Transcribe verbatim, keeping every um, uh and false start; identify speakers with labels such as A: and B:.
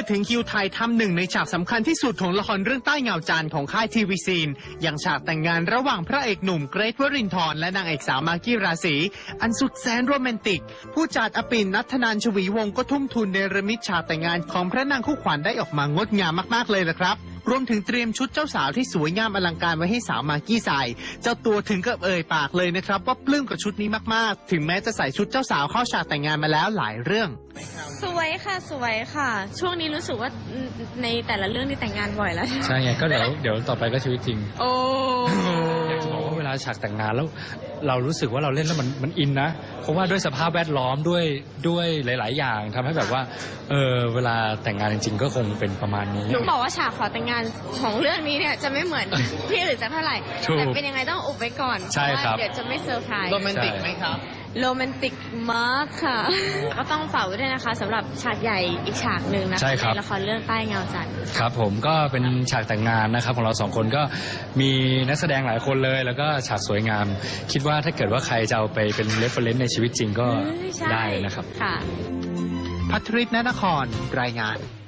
A: ถึงคิวไทยทำหนึ่งในฉากสำคัญที่สุดของละครเรื่องใต้เงาจันทร์ของค่ายทีวีซีนอย่างฉากแต่งงานระหว่างพระเอกหนุ่มเกรทวรินทร์และนางเอกสาวมากกี้ราศีอันสุดแสนโรแมนติกผู้จัดอปิ่นนัทธนานชวีวงศ์ก็ทุ่มทุนเนรมิตฉากแต่งงานของพระนางคู่ขวัญได้ออกมางดงามมากๆเลยละครับรวมถึงเตรียมชุดเจ้าสาวที่สวยงามอลังการไว้ให้สาวมากกี้ใส่เจ้าตัวถึงกับเอ่ยปากเลยนะครับว่าปลื้มกับชุดนี้มากๆถึงแม้จะใส่ชุดเจ้าสาวเข้าฉากแต่งงานมาแล้วหลายเรื่อง
B: สวยค่ะสวยค่ะ ช่วงนี้รู้สึกว่าในแต่ละเรื่องนี่แต่งงานบ่อยแล้ว
C: ใช่ไงก็เดี๋ยวเดี๋ยวต่อไปก็ชีวิตจริง
B: โอ้
C: อยากจะบอกว่าเวลาฉากแต่งงานแล้วเรารู้สึกว่าเราเล่นแล้วมันมันอินนะเพราะว่าด้วยสภาพแวดล้อมด้วยด้วยหลายๆอย่างทำให้แบบว่าเออเวลาแต่งงานจริงๆก็คงเป็นประมาณนี้
B: หนูบอกว่าฉากขอแต่งงานของเรื่องนี้เนี่ยจะไม่เหมือนที่อื่นสักเท่าไหร่แต่เป็นยังไงต้องอุบไว้ก่อน
C: ใช่ครับ
B: เดี๋ยวจะไม่เซอร์ไพรส์
A: โรแมนติกไหมครับ
B: โรแมนติกมากค่ะก็ต้องฝากไว้ด้วยนะคะสำหรับฉากใหญ่อีกฉากหนึ่งนะคะในละครเรื่องใต้เงาจันทร์
C: ครับผมก็เป็นฉากแต่งงานนะครับของเราสองคนก็มีนักแสดงหลายคนเลยแล้วก็ฉากสวยงามคิดว่าถ้าเกิดว่าใครจะเอาไปเป็นเรฟเฟอเรนซ์ในชีวิตจริงก็ได้นะครับ
B: ค่ะ
A: ภัทริศ ณนครรายงาน